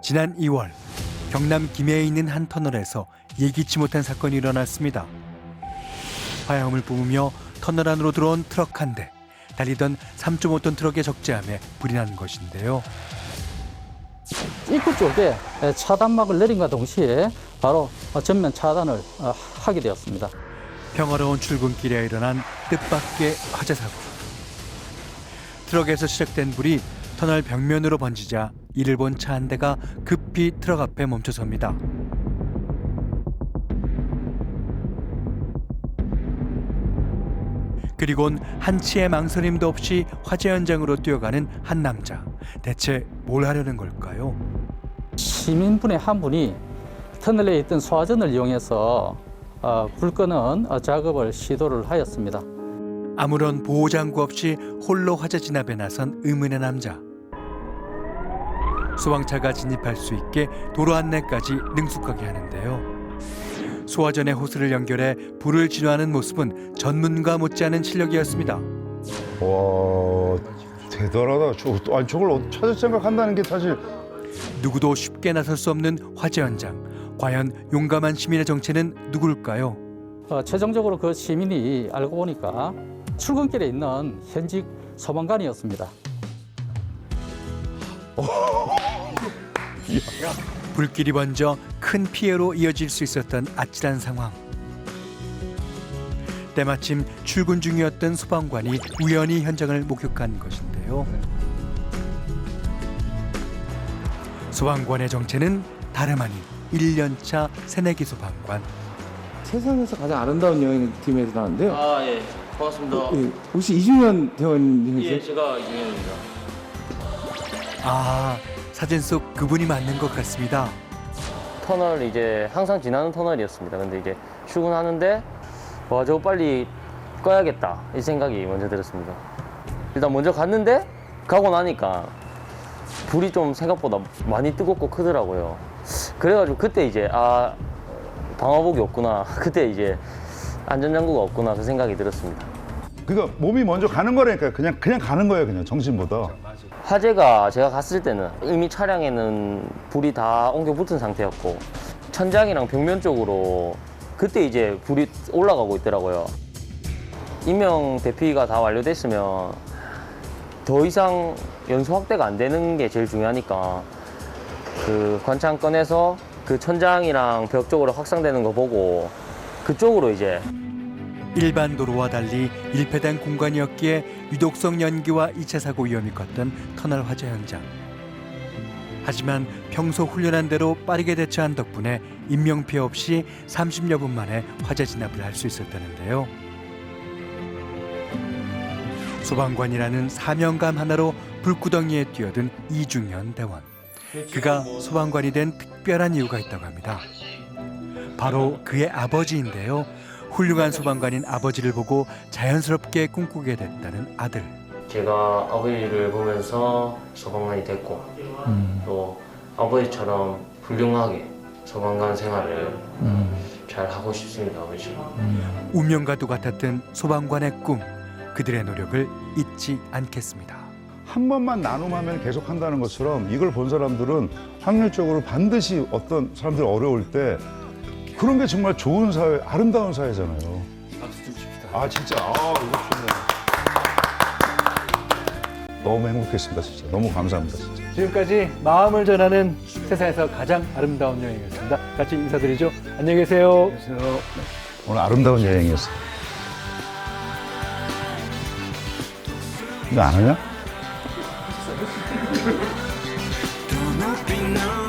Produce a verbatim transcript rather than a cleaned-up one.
지난 이월 경남 김해에 있는 한 터널에서 예기치 못한 사건이 일어났습니다. 화염을 뿜으며 터널 안으로 들어온 트럭 한 대, 달리던 삼 점 오 톤 트럭에 적재함에 불이 난 것인데요. 입구 쪽에 차단막을 내린과 동시에 바로 전면 차단을 하게 되었습니다. 평화로운 출근길에 일어난 뜻밖의 화재 사고. 트럭에서 시작된 불이 터널 벽면으로 번지자 이를 본 차 한 대가 급히 트럭 앞에 멈춰섭니다. 그리곤 한치의 망설임도 없이 화재 현장으로 뛰어가는 한 남자. 대체 뭘 하려는 걸까요? 시민분의 한 분이 터널에 있던 소화전을 이용해서 불 끄는 작업을 시도를 하였습니다. 아무런 보호장구 없이 홀로 화재 진압에 나선 의문의 남자. 소방차가 진입할 수 있게 도로 안내까지 능숙하게 하는데요. 소화전의 호스를 연결해 불을 진화하는 모습은 전문가 못지않은 실력이었습니다. 와, 대단하다. 저, 아니, 저걸 찾을 생각한다는 게 사실. 누구도 쉽게 나설 수 없는 화재 현장. 과연 용감한 시민의 정체는 누굴까요? 어, 최종적으로 그 시민이 알고 보니까 출근길에 있는 현직 소방관이었습니다. 불길이 번져 큰 피해로 이어질 수 있었던 아찔한 상황. 때마침 출근 중이었던 소방관이 우연히 현장을 목격한 것인데요. 소방관의 정체는 다름 아닌 일 년 차 새내기 소방관. 세상에서 가장 아름다운 여행팀에서 나왔는데요. 아, 예. 반갑습니다. 예, 혹시 이주연 대원님이세요? 예, 제가 이주현입니다. 아, 사진 속 그분이 맞는 것 같습니다. 터널 이제 항상 지나는 터널이었습니다. 근데 이제 출근하는데 와, 저거 빨리 꺼야겠다 이 생각이 먼저 들었습니다. 일단 먼저 갔는데 가고 나니까 불이 좀 생각보다 많이 뜨겁고 크더라고요. 그래가지고 그때 이제 아, 방화복이 없구나. 그때 이제 안전장구가 없구나 그 생각이 들었습니다. 그러니까 몸이 먼저 가는 거라니까. 그냥 그냥 가는 거예요, 그냥 정신보다. 화재가 제가 갔을 때는 이미 차량에는 불이 다 옮겨 붙은 상태였고 천장이랑 벽면 쪽으로 그때 이제 불이 올라가고 있더라고요. 인명 대피가 다 완료됐으면 더 이상 연소 확대가 안 되는 게 제일 중요하니까 그 관창 꺼내서 그 천장이랑 벽 쪽으로 확산되는 거 보고 그쪽으로 이제 일반 도로와 달리 밀폐된 공간이었기에 유독성 연기와 이 차 사고 위험이 컸던 터널 화재 현장. 하지만 평소 훈련한 대로 빠르게 대처한 덕분에 인명피해 없이 삼십여 분 만에 화재 진압을 할 수 있었다는데요. 소방관이라는 사명감 하나로 불구덩이에 뛰어든 이중현 대원. 그가 소방관이 된 특별한 이유가 있다고 합니다. 바로 그의 아버지인데요. 훌륭한 소방관인 아버지를 보고 자연스럽게 꿈꾸게 됐다는 아들. 제가 아버지를 보면서 소방관이 됐고 음. 또 아버지처럼 훌륭하게 소방관 생활을 음. 잘 하고 싶습니다. 아버지. 음. 운명과도 같았던 소방관의 꿈. 그들의 노력을 잊지 않겠습니다. 한 번만 나눔하면 계속 한다는 것처럼 이걸 본 사람들은 확률적으로 반드시 어떤 사람들이 어려울 때 그런 게 정말 좋은 사회, 아름다운 사회잖아요. 박수 좀 칩시다. 아, 진짜. 아, 이거 좋네. 너무 행복했습니다, 진짜. 너무 감사합니다, 진짜. 지금까지 마음을 전하는 세상에서 가장 아름다운 여행이었습니다. 같이 인사드리죠. 안녕히 계세요. 오늘 아름다운 여행이었어요. 이거 안 하냐?